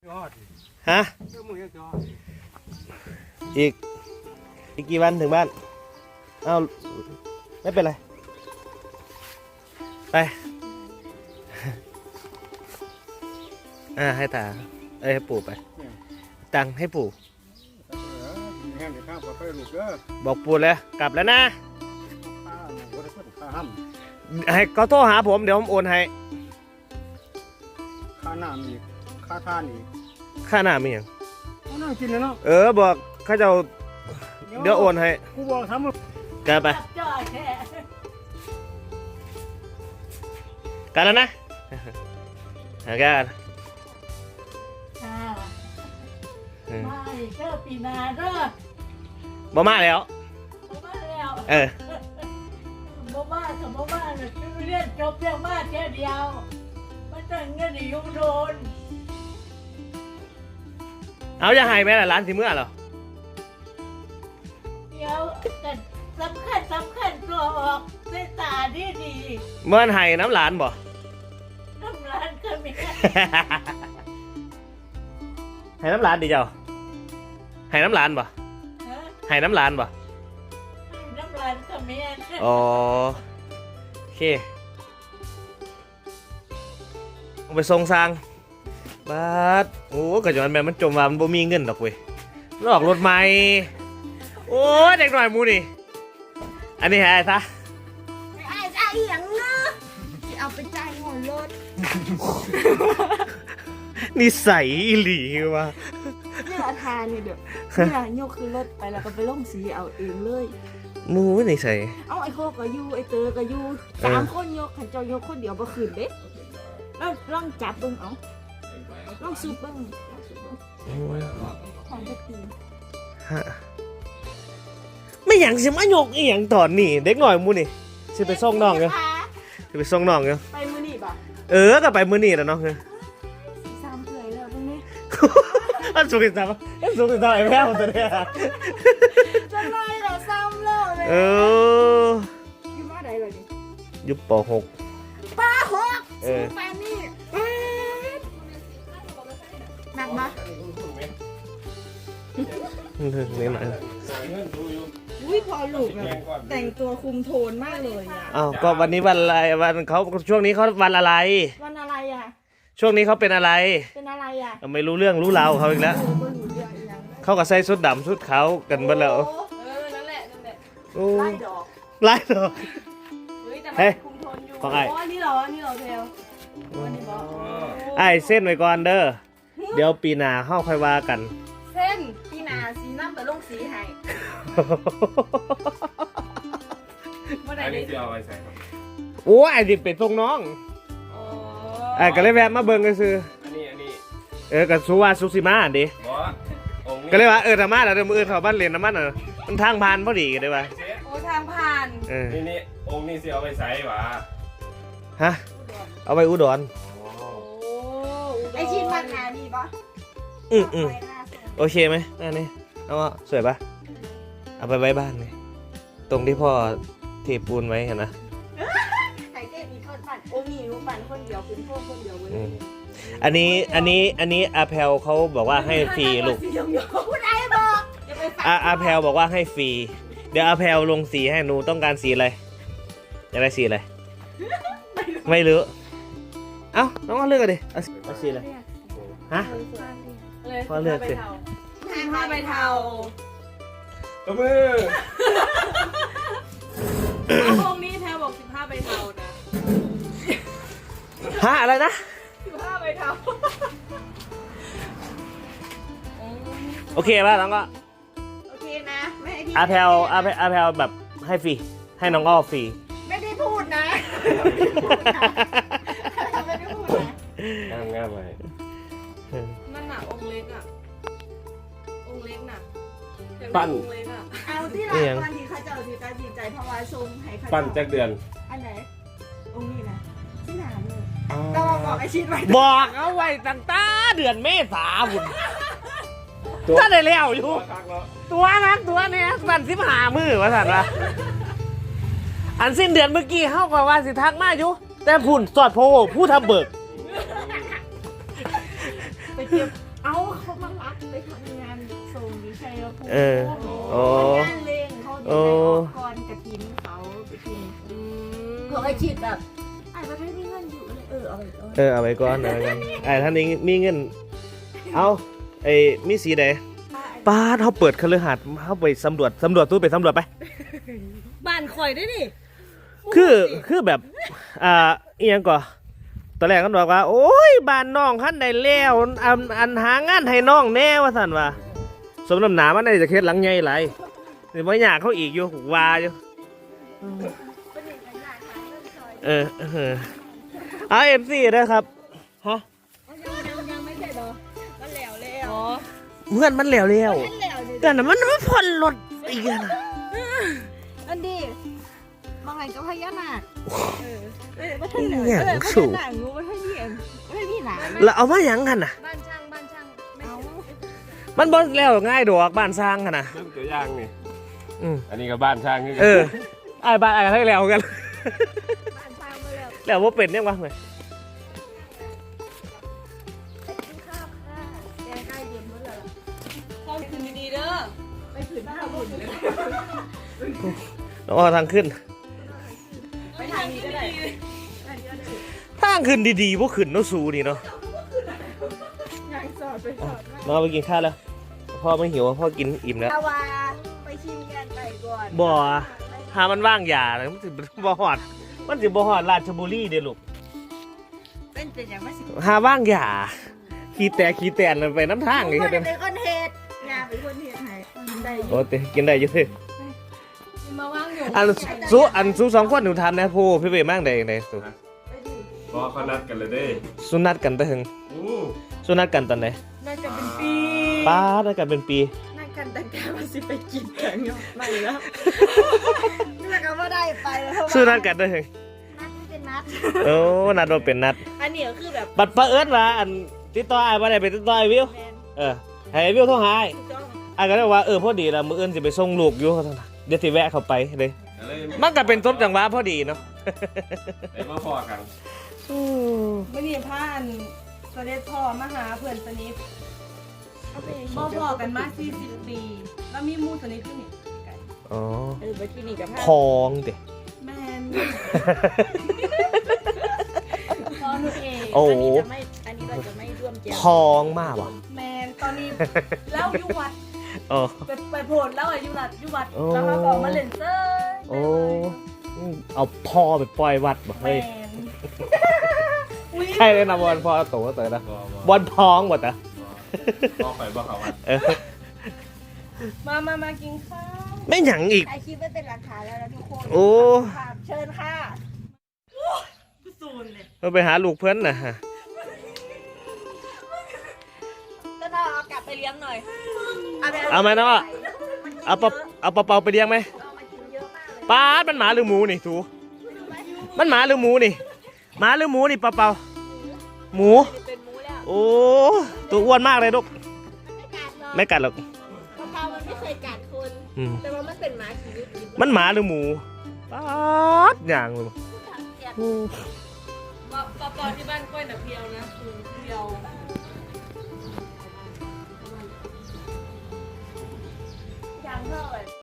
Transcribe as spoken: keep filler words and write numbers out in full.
ฮะอีกอีกกี่วันถึงบ้านเอ้าไม่เป็นไรไปอ่าให้ตาเอ้ยให้ปู่ไปตังให้ปู่บอกปู่เลยกลับแล้วนะให้เขาโทรหาผมเดี๋ยวผมโอนให้ค่าน้ำอีกค่าท่านอีกค่าน้ำมีอย่างน่ากินเลยเนาะเออบอกเขาจะเดี๋ยวโอนให้กูบอกทำมึงกันไปกันแล้วนะหากันมาอีกเด้อปีนาเด้อบ่มาแล้วบ่มาแล้วเออบ่มาสมบ่มาเนี่ยเรียนจบเพียงมาแค่เดียวมันจะเงินอยู่โดนเอาจะให้ไหมล่ะร้านสิเมื่อเหรอเดี๋ยวกันสำคัญสำคัญตัวออกใส่ตาดีดีเมื่อให้น้ำหลานบ่น้ำร้านก็มีให้น้ำหลานดิเจ้าให้น้ำหลานบ่ให้น้ำหลานบ่น้ำร้านก็มีอ๋อโอเคเอาไปส่งสร้างบาดโอ้กระจอนแม่มันจมว่ามันบ่มีเงินดอกเว้ยลอกรถใหม่โอ้เด็กหน่อยมูนี่อันนี้ให้ไอ้ซะไอ้ไอ้ยังเนาะจะเอาไปจ่ายเงินรถนิสัยอีหลีวะเนี่ยอาคารเนี่ยเดี๋ยวเนี่ยโยกคือรถไปแล้วก็ไปลงสีเอาเองเลยมูนิสัยเอาไอ้โคก็อยู่ไอ้เตอก็อยู่สามคนยกขันเจ้ายกคนเดียวบ่คืนเด้แล้วลองจับเบิ่งเอาลองซูบเบิ่งของจะตีฮะไม่อย่างสิมาโยกอีหยังตอนนี้เด็กหน่อยมูนี่สิไปส่งน้องเนาะสิไปส่งน้องเนาะไปมื้อนี้บ่เออก็ไปมื้อนี้แล้วเนาะเออซ้ำเอื่อยแล้วตรงนี้อันสุดที่ซ้ำอันสุดที่ซ้ำไอ้แม่ของตัวเนี่ยจะไล่เหรอซ้ำแล้วเลยเอออยู่มาไหนเลยนี่อยู่ป หกป หกเออแฟนนี่หนักมั้ยนี่หน่อยอุ้ยพอลูกแบบแต่งตัวคุมโทนมากเลยอ่ะอ้าวก็วันนี้วันอะไรวันเขาช่วงนี้เขาวันอะไรวันอะไรอ่ะช่วงนี้เขาเป็นอะไรเป็นอะไรอ่ะไม่รู้เรื่องรู้ราวเขาอีกแล้วเขาก็ใส่ชุดดำชุดขาวกันหมดแล้วเออนั่นแหละนั่นแหละไล่ดอกไล่ดอกเฮ้ยคุมโทนอยู่ของไอ้อ๋อนี่เหรอนี่เหรอเทลวันนี้บอกไอ้เส้นไว้ก่อนเด้อเดี๋ยวปีหน้าเข้าค่อยว่ากันเส้นปีหน้าสีน้ำแต่ลงสีให้อันนี้จะเอาไปใส่ครับโอ้ไอ้ดิเป็นทรงน้องไอ้ก็เลยแวะมาเบิ่งกันซื้ออันนี้อันนี้เออกับสุวาสุสิมาดิก็เลยว่าเออธรรมะแล้วเดี๋ยวมืออื่นเขาบ้านเรียนธรรมะน่ะมันทางผ่านพอดีกันได้ป่ะโอ้ทางผ่านนี่นี่องค์นี้จะเอาไปใส่หวะฮะเอาไปอุดรไอชินมันหาดีปะอืมอืมโอเคไหมนั่นนี่เอาสวยปะเอาไปไว้บ้านเลยตรงที่พ่อเทปูนไว้เห็นนะไข่เจ๊มีคนปั่นโอ้มีรู้ปั่นคนเดียวคุณพ่อคนเดียวเว้ยอันนี้อันนี้อันนี้อาแพลเขาบอกว่าให้ฟรีลูกคุณไอ้บอกอาอาแพลบอกว่าให้ฟรีเดี๋ยวอาแพลลงสีให้หนูต้องการสีอะไรอยากได้สีอะไรไม่รู้เอ้าน้องก็เลือกกันดิเอาสีอะไรฮะพ่อเลือกสิผ้าใบเทาตัวมือพวกนี้แพลบอกสิบห้าใบเทานะฮะอะไรนะสิบห้าใบเทาโอเคป่ะน้องก็โอเคนะไม่ให้พี่อาแพลอาแพลอาแพลแบบให้ฟรีให้น้องอ้อฟรีไม่ได้พูดนะไม่ได้พูดนะง่ายง่ายไปนั่นน่ะองค์เล็กอ่ะองค์เล็กน่ะปั้นเอาที่หลังวันที่เขาจะเอาที่ตาดีใจเพราะว่าชมให้เขาปั้นจากเดือนอันไหนองค์นี้นะที่หนาเลยต้องบอกไอชิดไว้บอกเอาไว้ตั้งแต่เดือนเมษาบุญถ้าได้แล้วอยู่ตัวนักตัวเนี้ยสั่นสิบหามือว่าสั่นวะอันสิ้นเดือนเมื่อกี้เข้ากับว่าสิทักมาอยู่แต่ผุ่นสอดโพผู้ทำเบิกไปเตรียมบไปทำงานส่งอยู่ชัยภูมิเออโอ้งานเลงเขาเดี๋ยวได้ออกก่อนกระถินเขาไปกินเขาไอชิดแบบไอ้ประเทศมีเงินอยู่เลยเออเอาไปก่อนเออเอาไว้ก่อนเอาไว้ก่อนไอ้ท่านนี้มีเงินเอาไอ้มีสีใดป้าดเขาเปิดคฤหาสน์เขาไปสำรวจสำรวจตู้ไปสำรวจไปบ้านข่อยได้ดิคือคือแบบอ่าอีหยังก่อตอนแรกเขาบอกว่า โอ้ยบ้านน้องขั้นใดแล้วอันอันหางานให้น้องแน่ว่าสันว่าสมน้ำหนามันได้จะเคล็ดหลังใหญ่ไรนี่ว่าอยากเขาอีกอยู่ว่าอยู่เออเออเอาเอฟซีนะครับฮะยังยังไม่เสร็จเหรอมันแล้วแล้วเพื่อนมันแล้วแล้วมันแล้วดิแต่น่ะมันมันผ่อนรถอีกอะนะอันดีบางไงก็พญานาคเออเออพอีญาหยันาง คสูงงูมันให้เหียนมันให้พี่หนาแล้วเอามาหยังกันน่ะบ้านช่างบ้านช่างไม่เอามันบ่แล้วง่ายดอกบ้านสร้างกันนะเรื่องตัวอย่างนี่อืมอันนี้ก็บ้านช่างนี่เออไอ้บ้านไอ้ให้แล้วกันบ้านสร้างมาแล้วแล้วว่าเป็นยังวะไงไปกินข้าวค่ะแกงไก่เย็นหมดแล้วล่ะห้องคืนดีๆเด้อไปขืนบ้านหุ่นเลยต้องเอาทางขึ้นไปทางนี้ก็ได้ทางขึ้นดีๆพวกขึ้นเนาะสูนี่เนาะยังสอดไปสอดมาเราไปกินข้าวแล้วพ่อไม่หิวพ่อกินอิ่มแล้วเอาว่าไปชิมแกงไก่ก่อนบ่หามันว่างยาเลยมันสิบ่ฮอดมันสิบ่ฮอดราชบุรีเด้อลูกเป็นเป็นอย่างไม่สิหาว่างยาขี้แตกขี้แตนไปน้ำทางเลยคเฮ็นดเด้อเป็นคนเฮ็ดงานเป็นคนเฮ็ดให้กินได้อยู่โอ้เตกินได้อยู่เด้อมาว่างอยู่อันสูอันสูสองคนหนูทานนะผู้พี่เวมั่งได้ได้สูพอเขานัดกันเลยเด้สุนัดกันแต่ถึงอู้สุนัดกันตอนไหนน่าจะเป็นปีป้าได้กันเป็นปีน่ากันแต่แกมันสิไปกินแกงเนาะไม่แล้วนี่แหละก็ว่าได้ไปแล้วสุนัดกันได้ถึงนัดไม่เป็นนัดโอ้นัดว่าเป็นนัดอันนี้ก็คือแบบบัดประเอิญว่าอันติดต่อไอ้บ่ได้ไปติดต่อไอ้วิวแมนเออให้ไอ้วิวโทรหาไอ้ถูกต้องไอ้ก็เลยว่าเออพอดีละมื้ออื่นสิไปส่งลูกอยู่เดี๋ยวสิแวะเข้าไปเลยอะไรมันก็เป็นต้นจังหวะพอดีเนาะไอ้มาพอกันไม่นี่พาอันเสด็จพ่อมาหาเพื่อนสนิทเอาไปบ่พอกันมาสี่สิบปี แล้วมีหมู่สนิทขึ้นนี่ไก่อ๋อเออไปที่นี่กับพองเด้แม่นพอหนูเองโอ้อันนี้จะไม่อันนี้เราจะไม่ร่วมแจมพองมากว่ะแม่นตอนนี้แล้วอยู่วัดโอ้ไปไปโผล่แล้วอะอยู่วัดอยู่วัดโอ้แล้วเขาก็มาเล่นเซอร์โอ้เอาพ่อไปปล่อยวัดบ่แม่เฮ้ยนอุ๊ยใช่เลยนะบอลพ่อโตก็เต๋อนะบ่บ่บอลพองหมดอ่ะบ่ไปบ่เขาวัดเออมามามากินข้าวไม่หยังอีกไอคลิปไม่เป็นหลักฐานแล้วนะทุกคนโอ้ค่ะเชิญค่ะซูนเลยเราไปหาลูกเพื่อนนะฮะก็ต้องเอากลับไปเลี้ยงหน่อยเอาไปเอาไหมน้องอ่ะเอาปะเอาปะเปาไปเลี้ยงไหมเอามากินเยอะมากเลยป้าดมันหมาหรือหมูนี่ถูมันหมาหรือหมูนี่หมาหรือหมูนี่ปะเปาหมูเป็นหมูแล้วโอ้ตัวอ้วนมากเลยลูกไม่กัดหรอกไม่กัดหรอกกะเพรามันไม่เคยกัดคนอืมแต่ว่ามันเป็นหมาชีวิตมันหมาหรือหมูป้าดอย่างเลย อืมปอปอที่บ้านกล้วยน่ะเพียวนะคือเพียว